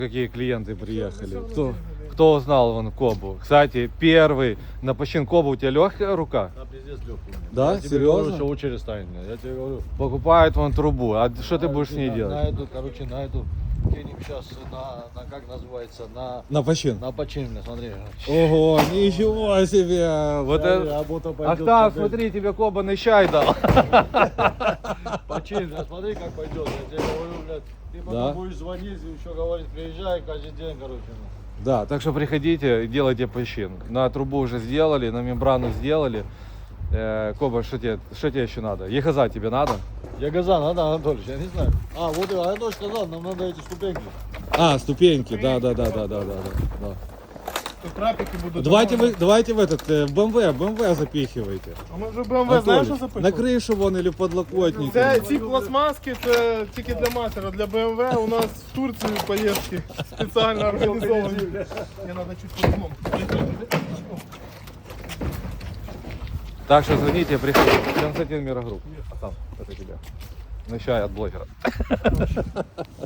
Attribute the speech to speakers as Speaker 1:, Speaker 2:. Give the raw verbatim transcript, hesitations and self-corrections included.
Speaker 1: Какие клиенты приехали? Кто, кто узнал вон Кобу? Кстати, первый на почин Кобу. У тебя легкая рука?
Speaker 2: Да, пиздец легкий.
Speaker 1: Да?
Speaker 2: Я тебе
Speaker 1: Серьезно?
Speaker 2: говорю, что очередь станет. Я тебе говорю.
Speaker 1: Покупают вон трубу. А что ты будешь с ней
Speaker 2: на,
Speaker 1: делать?
Speaker 2: На эту, короче, на эту кинем сейчас на, на как называется, на,
Speaker 1: На почин.
Speaker 2: на починку, смотри.
Speaker 1: Ого, ничего себе! Вот
Speaker 2: Смотри,
Speaker 1: это...
Speaker 2: работа пойдет.
Speaker 1: Ахтам,
Speaker 2: смотри.
Speaker 1: смотри, тебе Кобаный чай дал.
Speaker 2: Починка, смотри, как пойдет. Я тебе говорю, блядь, ты потом
Speaker 1: Да.
Speaker 2: будешь звонить и еще говорить, приезжай каждый день, короче. ну.
Speaker 1: Да, так что приходите и делайте почин. На трубу уже сделали, на мембрану сделали. Э, Коба, что тебе, что тебе еще надо? Ехаза тебе надо?
Speaker 2: Я газа надо, Анатольевич, я не знаю. А, вот и Анатольевич сказал, нам надо эти ступеньки.
Speaker 1: А, ступеньки, да, да, да, да, да, да, да.
Speaker 3: Тут трапики будут.
Speaker 1: Давайте вы, давайте в этот, э, в БМВ, БМВ запихивайте.
Speaker 3: А ми вже БМВ, знаєш, що
Speaker 1: Анатолій,
Speaker 3: запишемо?
Speaker 1: на кришу вон или подлокотники.
Speaker 3: Це ці пластмаски, це тільки для мастера. Для БМВ у нас в Турцію поїздки спеціально організовані. Мені треба чуть по-другому.
Speaker 1: Так что звоните, приходите. Константин Мирогрупп. А там, это тебя. На чай от блогера.